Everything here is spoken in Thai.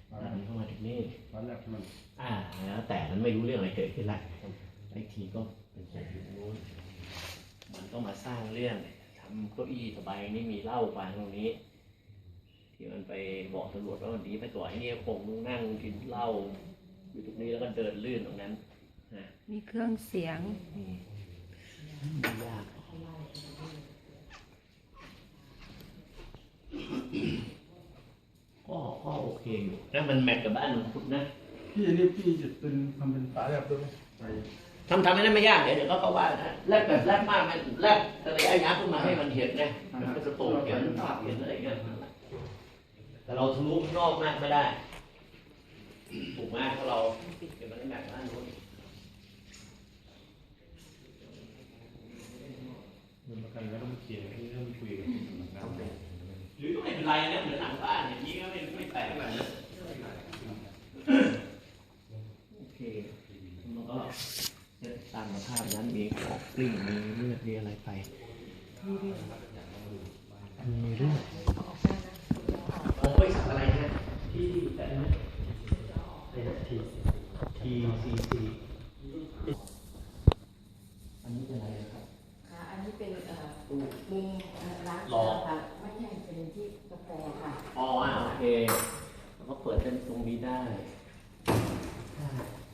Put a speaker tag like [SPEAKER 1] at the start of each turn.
[SPEAKER 1] มันเข้ามาถึงนี่
[SPEAKER 2] ตอนแรกมัน
[SPEAKER 1] แล้วแต่มันไม่รู้เรื่องอะไรเกิดขึ้นละไอ้ทีก็เป็นคนอยู่นู้นมันก็มาสร้างเรื่องทำเก้าอี้สบายนี่มีเหล้าวางตรงนี้ที่มันไปบอกตำรวจว่าวันนี้ไปต่อยนี่คงนั่งกินเหล้าอยู่ตรงนี้แล้วก็เดินลื่นตรงนั้น
[SPEAKER 3] มีเครื่องเสียง
[SPEAKER 1] ยากก็โอเคอยู่นะมันแมทกับบ้านหลวงพุทธนะ
[SPEAKER 2] พี่นี่พี่จะเป็นทำเป็นฝาแบบด้วยไหม
[SPEAKER 1] ทำให้ได้ไม่ยากเดี๋ยวก็ว่านะแลกแบบแลกมากมันแลกทะเลอายักขึ้นมาให้มันเห็นไงมันก็จะโตเห็นภาพเห็นอะไรเงี้ยแต่เราทะลุข้างนอกมากไม่ได้ถูกมากเพราะเราเดี๋ยวมันได้แมทบ้านนู้น
[SPEAKER 2] มันประกันแล้วต้องเขียนที่ต้องคุยกัน
[SPEAKER 1] หรือก็ไม่เป็นไรนะเหมือนหลังบ้านอย่างนี้ก็ไม่แปลกอะไรนะโอเคแล้วก็ตามสภาพนั้นมีขอบกลิ้งมีเลือดมีอะไรไปมีเลือดโอ้ยสักอะไรนะที่แต่นะทีอันนี้เป็นอะไรครับ
[SPEAKER 3] ค่ะอันนี้เป็นมุมร้านค่ะไม่ใช่เป็นที่กาแฟค่ะ
[SPEAKER 1] โอเคแล้วก็เปิดเป็นตรงนี้ได้